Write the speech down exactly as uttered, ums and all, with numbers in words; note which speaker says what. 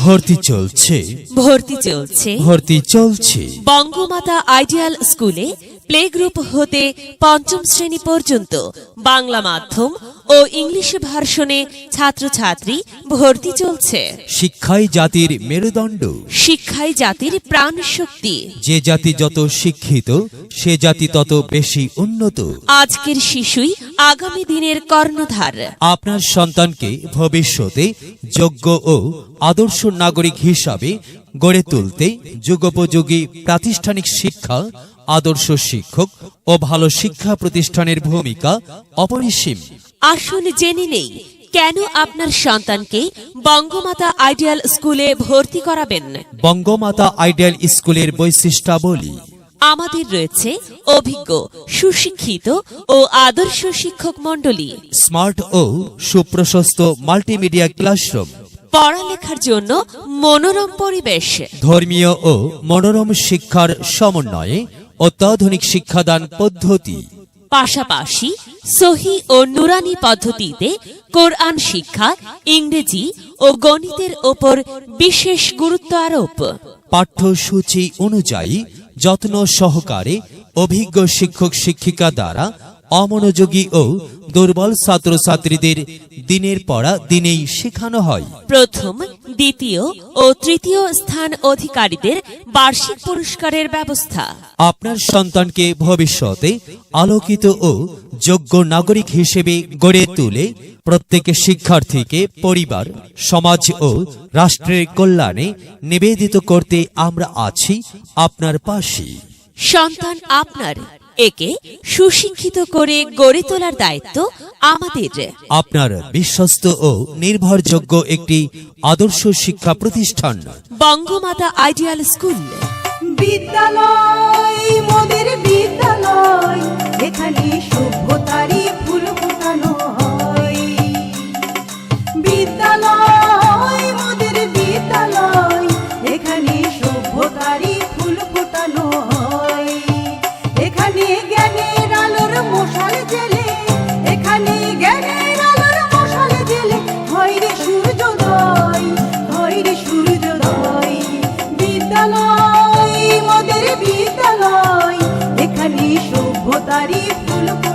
Speaker 1: ভর্তি চলছে
Speaker 2: ভর্তি চলছে
Speaker 1: ভর্তি চলছে
Speaker 2: বঙ্গমাতা আইডিয়াল স্কুলে প্লে গ্রুপ হতে পঞ্চম শ্রেণী পর্যন্ত বাংলা মাধ্যম ও ইংলিশ ভার্সনে ছাত্রছাত্রী ভর্তি চলছে।
Speaker 1: শিক্ষাই জাতির মেরুদণ্ড,
Speaker 2: শিক্ষাই জাতির প্রাণ শক্তি।
Speaker 1: যে জাতি যত শিক্ষিত সে জাতি তত বেশি উন্নত।
Speaker 2: আজকের শিশুই আগামী দিনের কর্ণধার।
Speaker 1: আপনার সন্তানকে ভবিষ্যতে যোগ্য ও আদর্শ নাগরিক হিসাবে গড়ে তুলতে যুগোপযোগী প্রাতিষ্ঠানিক শিক্ষা, আদর্শ শিক্ষক ও ভালো শিক্ষা প্রতিষ্ঠানের ভূমিকা অপরিসীম।
Speaker 2: আসুন জেনে নেই কেন আপনার সন্তানকে বঙ্গমাতা আইডিয়াল স্কুলে ভর্তি করাবেন।
Speaker 1: বঙ্গমাতা আইডিয়াল স্কুলের বৈশিষ্ট্যাবলী।
Speaker 2: আমাদের রয়েছে অভিজ্ঞ, সুশিক্ষিত ও আদর্শ শিক্ষক মণ্ডলী,
Speaker 1: স্মার্ট ও সুপ্রশস্ত মাল্টিমিডিয়া ক্লাসরুম,
Speaker 2: পড়ালেখার জন্য মনোরম পরিবেশ,
Speaker 1: ধর্মীয় ও মনোরম শিক্ষার সমন্বয়ে অত্যাধুনিক শিক্ষাদান পদ্ধতি,
Speaker 2: পাশাপাশি সহি ও নুরানি পদ্ধতিতে কোরআন শিক্ষা, ইংরেজি ও গণিতের ওপর বিশেষ গুরুত্ব আরোপ।
Speaker 1: পাঠ্যসূচি অনুযায়ী যত্ন সহকারে অভিজ্ঞ শিক্ষক শিক্ষিকা দ্বারা অমনোযোগী ও দুর্বল ছাত্রছাত্রীদের দিনের পড়া দিনেই শেখানো হয়।
Speaker 2: প্রথম, দ্বিতীয় ও তৃতীয় স্থান অধিকারীদের বার্ষিক পুরস্কারের ব্যবস্থা।
Speaker 1: আপনার সন্তানকে ভবিষ্যতে আলোকিত ও যোগ্য নাগরিক হিসেবে গড়ে তুলে প্রত্যেক শিক্ষার্থীকে পরিবার, সমাজ ও রাষ্ট্রের কল্যাণে নিবেদিত করতে আমরা আছি আপনার পাশে।
Speaker 2: সন্তান আপনার, একে সুশিক্ষিত করে গড়ে তোলার দায়িত্ব আমাদের।
Speaker 1: আপনার বিশ্বস্ত ও নির্ভরযোগ্য একটি আদর্শ শিক্ষা প্রতিষ্ঠান
Speaker 2: বঙ্গমাতা আইডিয়াল স্কুল।
Speaker 3: বিদ্যালয় মোদের বিদ্যালয়, এখানে সভ্যতারই ফুল ফোটানো হয়। বিদ্যালয় মোদের বিদ্যালয়, এখানে সভ্যতারই ফুল ফোটানো হয়। এখানে জ্ঞানের আলোর মশাল জেলে, এখানে জ্ঞানের আলোর মশাল জেলে হয় রে সূর্যোদয়, হয় রে সূর্যোদয়। বিদ্যালয় মোদের বিদ্যালয়, এখানে সভ্যতারই ফুল